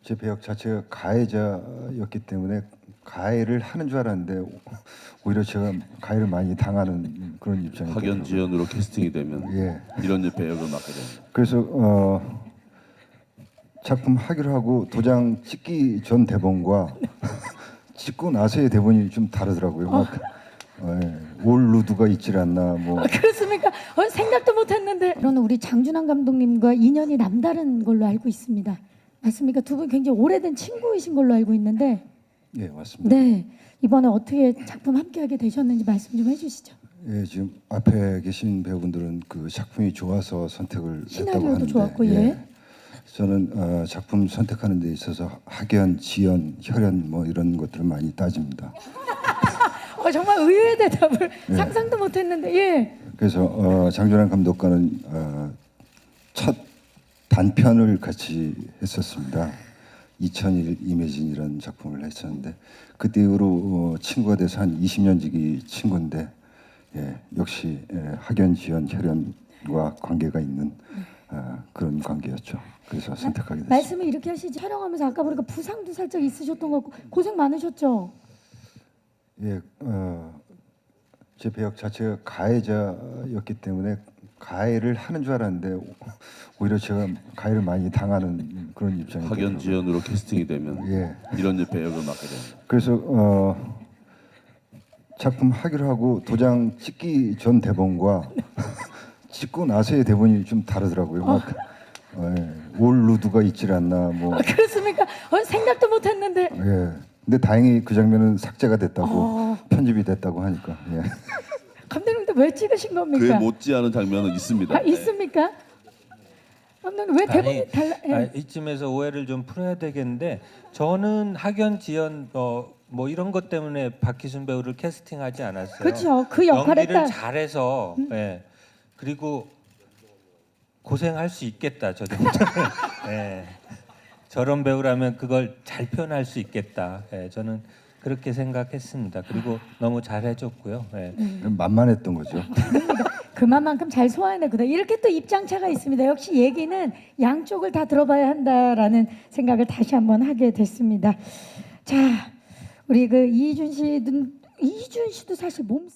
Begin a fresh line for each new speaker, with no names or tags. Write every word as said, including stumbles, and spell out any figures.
제 배역 자체가 가해자였기 때문에 가해를 하는 줄 알았는데 오히려 제가 가해를 많이 당하는 그런 입장이
학연 지연으로 캐스팅이 되면
예.
이런 배역을 맡게 됩니다.
그래서 어, 작품 하기로 하고 도장 찍기 전 대본과 찍고 나서의 대본이 좀 다르더라고요. 막 어, 예. 올 루드가 있질 않나 뭐
아, 그렇습니까? 어, 생각도 못했는데. 저는 우리 장준환 감독님과 인연이 남다른 걸로 알고 있습니다. 맞습니까? 두 분 굉장히 오래된 친구이신 걸로 알고 있는데.
예, 맞습니다.
네, 이번에 어떻게 작품 함께하게 되셨는지 말씀 좀 해주시죠.
예, 지금 앞에 계신 배우분들은 그 작품이 좋아서 선택을 했다고
시나리오도
하는데
좋았고, 예.
저는 어, 작품 선택하는 데 있어서 학연, 지연, 혈연 뭐 이런 것들을 많이 따집니다.
어, 정말 의외의 대답을
예.
상상도 못했는데, 예.
그래서 어, 장준환 감독과는 어, 첫 단편을 같이 했었습니다. 이천일 이매진이라는 작품을 했었는데 그때 이후로 어, 친구가 돼서 한 이십 년 지기 친구인데 예, 역시 예, 학연, 지연, 혈연과 관계가 있는 어, 그런 관계였죠. 그래서 선택하게 됐습니다.
말씀을 이렇게 하시지. 촬영하면서 아까 보니까 부상도 살짝 있으셨던 것 같고 고생 많으셨죠?
예, 어, 제 배역 자체가 가해자였기 때문에 가해를 하는 줄 알았는데 오히려 제가 가해를 많이 당하는 그런 입장이
학연
되더라고요.
지연으로 캐스팅이 되면
예.
이런 배역을 맡게 됩니다.
그래서 어, 작품 하기로 하고 도장 찍기 전 대본과 찍고 나서의 대본이 좀 다르더라고요. 막 어, 예. 올 루드가 있질 않나 뭐
아, 그렇습니까? 어, 생각도 못했는데.
예. 근데 다행히 그 장면은 삭제가 됐다고
어.
편집이 됐다고 하니까 예.
감독님도 왜 찍으신 겁니까?
그에 못지않은 장면은 있습니다.
아, 있습니까? 감독님 왜 대본이
아니,
달라? 예.
아, 이쯤에서 오해를 좀 풀어야 되겠는데 저는 학연 지연 어, 뭐 이런 것 때문에 박희순 배우를 캐스팅하지 않았어요.
그렇죠. 그 역할에
연기를
딱-
잘해서
음.
예. 그리고 고생할 수 있겠다 저 정도. 예. 저런 배우라면 그걸 잘 표현할 수 있겠다. 예. 저는 그렇게 생각했습니다. 그리고 너무 잘해줬고요. 예.
만만했던 거죠.
그만큼 잘 소화해내거든. 이렇게 또 입장차가 있습니다. 역시 얘기는 양쪽을 다 들어봐야 한다라는 생각을 다시 한번 하게 됐습니다. 자, 우리 그 이준 씨는 이준 씨도 사실 몸